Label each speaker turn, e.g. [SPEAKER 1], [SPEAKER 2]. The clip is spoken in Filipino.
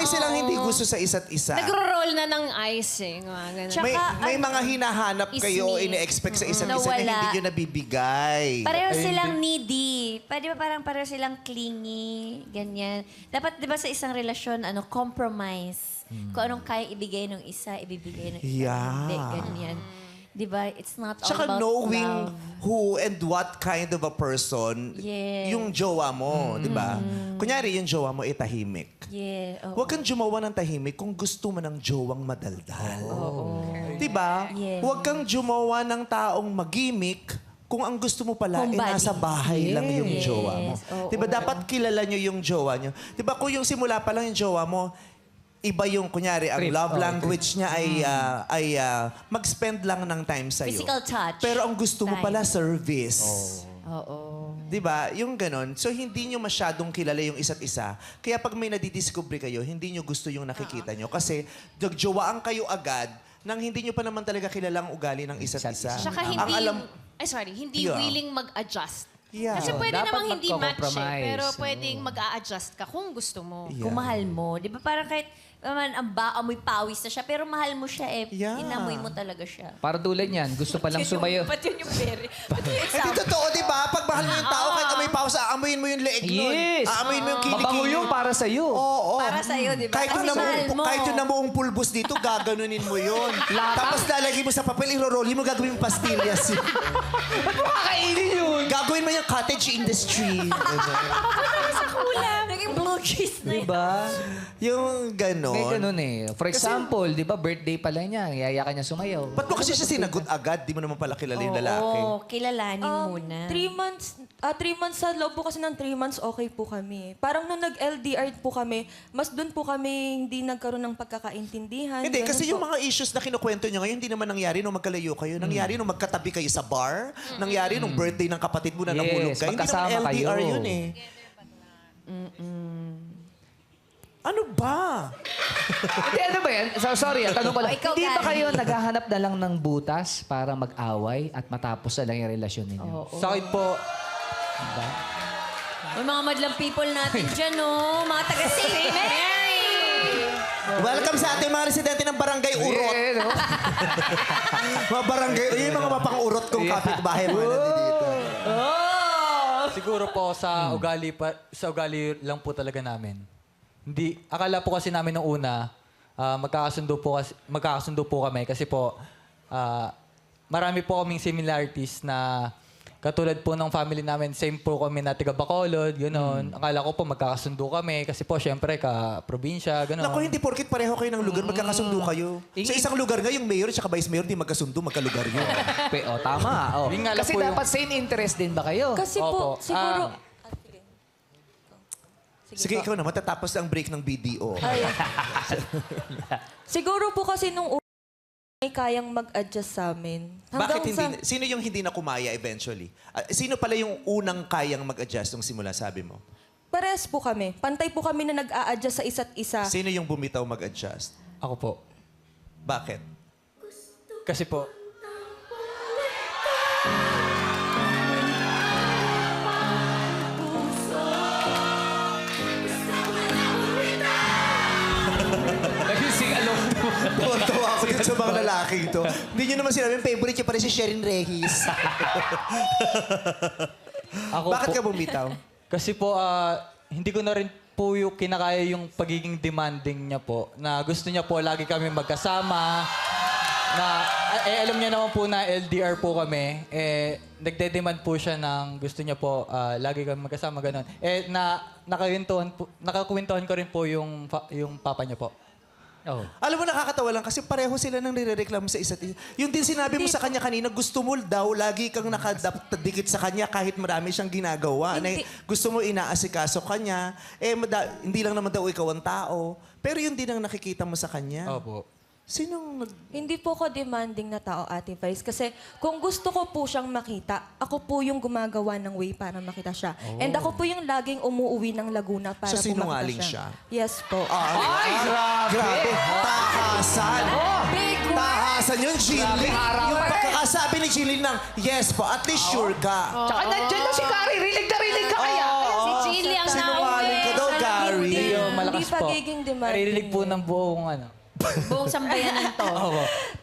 [SPEAKER 1] silang hindi gusto sa isa't isa.
[SPEAKER 2] Nagro-roll na ng ice eh. Mga ganun.
[SPEAKER 1] May mga hinahanap kayo o
[SPEAKER 2] Ismi.
[SPEAKER 1] ini-expect sa isa't isa na
[SPEAKER 3] Nawala.
[SPEAKER 1] hindi nyo nabibigay.
[SPEAKER 3] Pareho silang needy. Di ba parang pareho silang clingy, ganyan. Dapat, di ba sa isang relasyon, compromise. Kung anong kaya ibigay ng isa, ibibigay ng isa.
[SPEAKER 1] Yeah.
[SPEAKER 3] Hindi, ganyan. Di ba? It's not all
[SPEAKER 1] Tsaka
[SPEAKER 3] about
[SPEAKER 1] knowing
[SPEAKER 3] love.
[SPEAKER 1] who and what kind of a person
[SPEAKER 3] Yes.
[SPEAKER 1] yung jowa mo, di ba? Kunyari, yung jowa mo tahimik.
[SPEAKER 3] Yeah.
[SPEAKER 1] Huwag kang jumawa ng tahimik kung gusto mo ng jowang madaldal. Di ba?
[SPEAKER 3] Yes.
[SPEAKER 1] Huwag kang jumawa ng taong magimik kung ang gusto mo pala
[SPEAKER 3] Homebody.
[SPEAKER 1] nasa bahay lang yung jowa mo.
[SPEAKER 3] Oo.
[SPEAKER 1] Di ba? Dapat kilala nyo yung jowa nyo. Di ba? Kung yung simula pa lang yung jowa mo, iba yung, kunyari, ang
[SPEAKER 4] Trip.
[SPEAKER 1] love language niya ay mag-spend lang ng time sa'yo.
[SPEAKER 3] Physical touch.
[SPEAKER 1] Pero ang gusto mo
[SPEAKER 3] Time.
[SPEAKER 1] pala, service.
[SPEAKER 3] Oo.
[SPEAKER 1] Di ba? Yung ganon. So, hindi nyo masyadong kilala yung isa't isa. Kaya pag may nadidiscover kayo, hindi nyo gusto yung nakikita nyo. Kasi, nagjowaan kayo agad nang hindi nyo pa naman talaga kilala ang ugali ng isa't isa.
[SPEAKER 2] Tsaka
[SPEAKER 1] Ang
[SPEAKER 2] hindi,
[SPEAKER 1] alam-
[SPEAKER 2] hindi
[SPEAKER 1] Yeah.
[SPEAKER 2] willing mag-adjust.
[SPEAKER 1] Yeah.
[SPEAKER 2] Kasi pwede
[SPEAKER 4] Dapat
[SPEAKER 2] namang hindi match eh,
[SPEAKER 4] magko-compromise.
[SPEAKER 2] pero pwedeng mag-a-adjust ka kung gusto mo.
[SPEAKER 1] Yeah.
[SPEAKER 3] Kung mahal mo. Di ba parang kahit naman amoy pawis na siya, pero mahal mo siya eh.
[SPEAKER 1] Yeah.
[SPEAKER 3] Inamoy mo talaga siya.
[SPEAKER 4] Para tulad niyan, gusto palang sumayo.
[SPEAKER 3] Ba't yun yung very? Ba't yun yung
[SPEAKER 1] Hindi
[SPEAKER 3] example?
[SPEAKER 1] totoo, di ba? Pag mahal mo yung tao, kahit amoy paus, aamuyin mo yung leeg nun.
[SPEAKER 4] Yes!
[SPEAKER 1] Aamuyin mo yung kilikili.
[SPEAKER 4] Mabango yun para sa'yo.
[SPEAKER 1] Oo.
[SPEAKER 3] Para sa'yo, di ba?
[SPEAKER 1] Kahit yung,
[SPEAKER 3] Kasi mahal mo.
[SPEAKER 1] kahit yung namuong pulbos dito, gaganunin mo yun. Tapos lalagay mo sa papel, irorolin mo, gagawin mo pastillas.
[SPEAKER 4] Ba't mo kakainin yun?
[SPEAKER 1] Gagawin mo yung cottage industry.
[SPEAKER 3] Sa kulang. Naging blue cheese na yun.
[SPEAKER 4] Diba?
[SPEAKER 1] Yung ganon.
[SPEAKER 4] May ganun eh. For example, di ba, birthday pala niya, yaya ka niya sumayaw.
[SPEAKER 1] Ba't mo kasi siya sinagot agad? Di mo naman pala kilala yung lalaki.
[SPEAKER 3] Oo, kilalanin muna.
[SPEAKER 5] 3 months sa loob po kasi ng 3 months, okay po kami. Parang nung nag-LDR po kami, mas doon po kami hindi nagkaroon ng pagkakaintindihan.
[SPEAKER 1] Hindi,
[SPEAKER 5] Ganun
[SPEAKER 1] kasi
[SPEAKER 5] po.
[SPEAKER 1] yung mga issues na kinukwento nyo ngayon, hindi naman nangyari nung magkalayo kayo. Nangyari nung magkatabi kayo sa bar. Nangyari nung birthday ng kapatid mo na
[SPEAKER 4] Yes,
[SPEAKER 1] nahulog kayo. Hindi naman
[SPEAKER 4] magkasama
[SPEAKER 1] LDR
[SPEAKER 4] kayo.
[SPEAKER 1] yun eh. Ano ba?
[SPEAKER 4] Hindi, ano ba yan? Sorry, tanong ko lang.
[SPEAKER 3] O, ikaw,
[SPEAKER 4] Hindi ba
[SPEAKER 3] Gary.
[SPEAKER 4] kayo naghahanap na lang ng butas para mag-away at matapos na lang yung relasyon ninyo?
[SPEAKER 6] Sa akin po,
[SPEAKER 3] May mga madlang people natin dyan, no? Mga taga-St. Mary!
[SPEAKER 1] Welcome sa ating mga residente ng Barangay Urot.
[SPEAKER 4] Eh, no?
[SPEAKER 1] Mga barangay, yung mga mapang-urot kong kapitbahay mga nandito.
[SPEAKER 6] siguro po sa ugali lang po talaga namin. Hindi, akala po kasi namin nung una, magkakasundo po kami kasi po, marami po kaming similarities na katulad po ng family namin, same po kami na taga Bacolod, gano'n. Akala ko po magkakasundo kami kasi po syempre ka-probinsya, gano'n.
[SPEAKER 1] Naku, hindi porkit pareho kayo ng lugar, magkakasundo kayo. Sa isang lugar nga, yung mayor at vice mayor, di magkasundo, magkalugar yun.
[SPEAKER 4] Tama. Oh.
[SPEAKER 6] Yun nga lang
[SPEAKER 4] Kasi
[SPEAKER 6] po yung-
[SPEAKER 4] dapat same interest din ba kayo?
[SPEAKER 5] Kasi
[SPEAKER 6] Opo.
[SPEAKER 5] po, siguro...
[SPEAKER 1] Sige, ikaw na, matatapos ang break ng BDO.
[SPEAKER 5] Siguro po kasi nung una, may kayang mag-adjust sa amin.
[SPEAKER 1] Bakit hindi,
[SPEAKER 5] Hanggang
[SPEAKER 1] sino yung hindi na kumaya eventually? Sino pala yung unang kayang mag-adjust nung simula, sabi mo?
[SPEAKER 5] Pares po kami. Pantay po kami na nag-a-adjust sa isa't isa.
[SPEAKER 1] Sino yung bumitaw mag-adjust?
[SPEAKER 6] Ako po.
[SPEAKER 1] Bakit?
[SPEAKER 6] Kasi po,
[SPEAKER 4] Nag-sing along.
[SPEAKER 1] Tuwa ako dun sa mga lalaking to. Hindi nyo naman sinabi, favorite nyo pa rin si Sherin Reyes.
[SPEAKER 6] ako
[SPEAKER 1] Bakit
[SPEAKER 6] po,
[SPEAKER 1] ka bumitaw?
[SPEAKER 6] Kasi po, hindi ko na rin po yung kinakaya yung pagiging demanding niya po. Na gusto niya po lagi kami magkasama. Na, alam niya naman po na LDR po kami. Nagde-demand po siya ng gusto niya po lagi kami magkasama, gano'n. Nakakwintuhan ko rin po yung papa niya po.
[SPEAKER 4] Oh.
[SPEAKER 1] Alam mo, nakakatawa lang kasi pareho sila nang nirereklamo sa isa't isa. Yung din sinabi mo sa kanya kanina, gusto mo daw lagi kang nakadikit sa kanya kahit marami siyang ginagawa. Na, gusto mo inaasikaso kanya. Hindi lang naman daw ikaw ang tao. Pero yun din ang nakikita mo sa kanya.
[SPEAKER 6] Opo.
[SPEAKER 1] Sinong
[SPEAKER 5] Hindi po ako demanding na tao, Ate Vice. Kasi kung gusto ko po siyang makita, ako po yung gumagawa ng way para makita siya. And ako po yung laging umuwi ng Laguna para
[SPEAKER 1] So,
[SPEAKER 5] po
[SPEAKER 1] sinungaling
[SPEAKER 5] makita siya.
[SPEAKER 1] siya?
[SPEAKER 5] Yes po.
[SPEAKER 4] Ay, grabe!
[SPEAKER 1] Tahasan! Tahasan yun, Jilly. Yung pagkakasabi ni Jilly ng, yes po, at least sure ka.
[SPEAKER 4] Tsaka nandyan na si Kari. Rilig na rilig ka kaya.
[SPEAKER 2] Si Chili ang
[SPEAKER 1] Sinungaling ka daw, Gary.
[SPEAKER 6] Medyo malakas
[SPEAKER 5] Hindi
[SPEAKER 6] po.
[SPEAKER 5] pagiging demanding
[SPEAKER 6] Naririnig po
[SPEAKER 5] yun.
[SPEAKER 6] ng buong ano.
[SPEAKER 3] Buong sambayanan to.
[SPEAKER 6] Opo.